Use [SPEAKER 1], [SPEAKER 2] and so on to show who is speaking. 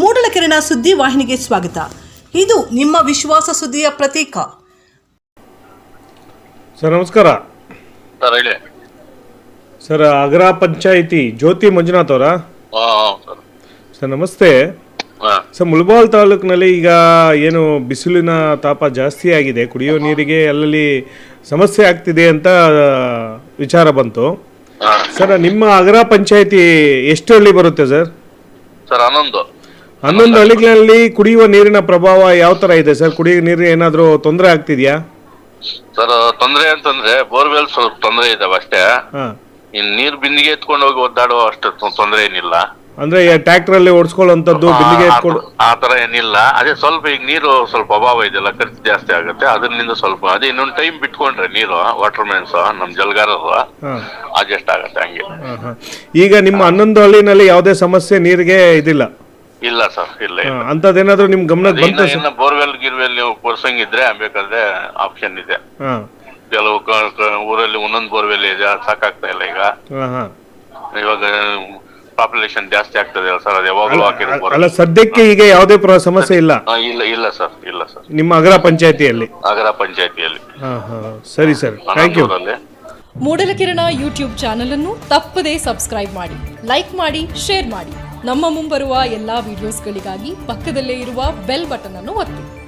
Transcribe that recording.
[SPEAKER 1] ಮೂಡಲಕೆರೆನ ಸುದ್ದಿ ವಾಹಿನಿಗೆ ಸ್ವಾಗತ. ಇದು ನಿಮ್ಮ ವಿಶ್ವಾಸ ಸುದ್ದಿಯ ಪ್ರತೀಕ.
[SPEAKER 2] ಸರ್ ನಮಸ್ಕಾರ.
[SPEAKER 3] ಸರ್ ಹೇಳಿ.
[SPEAKER 2] ಸರ್ ಅಗ್ರ ಪಂಚಾಯಿತಿ ಜ್ಯೋತಿ ಮಂಜುನಾಥ್ ಅವರಾ? ಸರ್ ನಮಸ್ತೆ. ಸರ್ ಮುಳಬಾಲ್ ತಾಲೂಕಿನಲ್ಲಿ ಈಗ ಏನು ಬಿಸಿಲಿನ ತಾಪ ಜಾಸ್ತಿ ಆಗಿದೆ, ಕುಡಿಯೋ ನೀರಿಗೆ ಅಲ್ಲಲ್ಲಿ ಸಮಸ್ಯೆ ಆಗ್ತಿದೆ ಅಂತ ವಿಚಾರ ಬಂತು. ಸರ್ ನಿಮ್ಮ ಅಗ್ರ ಪಂಚಾಯಿತಿ ಎಷ್ಟು ಹಳ್ಳಿ ಬರುತ್ತೆ ಸರ್?
[SPEAKER 3] ಸರ್
[SPEAKER 2] 11 ಹಳ್ಳಿಗಳಲ್ಲಿ ಕುಡಿಯುವ ನೀರಿನ ಪ್ರಭಾವ ಯಾವ ತರ ಇದೆ ಸರ್? ಕುಡಿಯುವ ನೀರು ಏನಾದರೂ ತೊಂದರೆ ಆಗ್ತಿದೆಯಾ
[SPEAKER 3] ಸರ್? ತೊಂದರೆ ಅಂತಂದ್ರೆ ಬೋರ್ವೆಲ್ ಸ್ವಲ್ಪ ತೊಂದರೆ ಇದಾವೆ ಅಷ್ಟೇ. ಇನ್ ನೀರ್ ಬಿಂದಿಗೆ ಎತ್ಕೊಂಡು ಹೋಗಿ ಒದ್ದಾಡುವ ಅಷ್ಟು ತೊಂದರೆ ಏನಿಲ್ಲ.
[SPEAKER 2] ಅಂದ್ರೆ ಟ್ರ್ಯಾಕ್ಟರ್ ಅಲ್ಲಿ ಓಡಿಸ್ಕೊಳ್ಳುವಂತದ್ದು ಬಿಂದಿಗೆ ಎತ್ಕೊಂಡು
[SPEAKER 3] ಆ ತರ ಏನಿಲ್ಲ. ಅದೇ ಸ್ವಲ್ಪ ಈಗ ನೀರು ಸ್ವಲ್ಪ ಅಭಾವ ಇದೆಯಲ್ಲ, ಖರ್ಚು ಜಾಸ್ತಿ ಆಗುತ್ತೆ. ಅದರಿಂದ ಸ್ವಲ್ಪ ಅದೇ ಇನ್ನೊಂದು ಟೈಮ್ ಬಿಟ್ಕೊಂಡ್ರೆ ನೀರು ವಾಟರ್ ಮ್ಯಾನ್ಸ್ ನಮ್ ಜಲಗಾರರು ಅಡ್ಜಸ್ಟ್ ಆಗುತ್ತೆ ಹಂಗೆ.
[SPEAKER 2] ಈಗ ನಿಮ್ಮ 11 ಹಳ್ಳಿನಲ್ಲಿ ಯಾವುದೇ ಸಮಸ್ಯೆ ನೀರಿಗೆ ಇದಿಲ್ಲ?
[SPEAKER 3] ಇಲ್ಲ ಸರ್, ಇಲ್ಲ.
[SPEAKER 2] ಅಂತದೇನಾದ್ರೂ ನಿಮ್ ಗಮನಕ್ಕೆ ಬಂತು?
[SPEAKER 3] ಬೋರ್ವೆಲ್ ಗಿರ್ವೆಲ್ ನೀವು ಕೊರ್ಸಂಗಿದ್ರೆ ಬೇಕಾದ್ರೆ ಆಪ್ಷನ್ ಇದೆ. ಕೆಲವು ಊರಲ್ಲಿ ಒಂದೊಂದು ಬೋರ್ವೆಲ್ ಇದೆ, ಅದು ಸಾಕಾಗ್ತಾ ಇಲ್ಲ ಈಗ. ಇವಾಗ ಪಾಪ್ಯುಲೇಷನ್ ಜಾಸ್ತಿ ಆಗ್ತದೆ ಸರ್, ಅದು ಯಾವಾಗಲೂ
[SPEAKER 2] ಅಲ್ಲ ಸದ್ಯಕ್ಕೆ ಈಗ ಯಾವುದೇ ಸಮಸ್ಯೆ ಇಲ್ಲ?
[SPEAKER 3] ಇಲ್ಲ ಸರ್, ಇಲ್ಲ ಸರ್.
[SPEAKER 2] ನಿಮ್ಮ ಅಗ್ರ ಪಂಚಾಯತಿಯಲ್ಲಿ?
[SPEAKER 3] ಅಗ್ರ ಪಂಚಾಯತಿಯಲ್ಲಿ.
[SPEAKER 2] ಸರಿ sir, thank you.
[SPEAKER 4] Moodalakirana YouTube channel ಅನ್ನು ತಪ್ಪದೇ ಸಬ್ಸ್ಕ್ರೈಬ್ ಮಾಡಿ, ಲೈಕ್ ಮಾಡಿ, ಶೇರ್ ಮಾಡಿ. ನಮ್ಮ ಮುಂಬರುವ ಎಲ್ಲಾ ವಿಡಿಯೋಸ್ಗಳಿಗಾಗಿ ಪಕ್ಕದಲ್ಲೇ ಇರುವ ಬೆಲ್ ಬಟನ್ ಅನ್ನು ಒತ್ತಿ.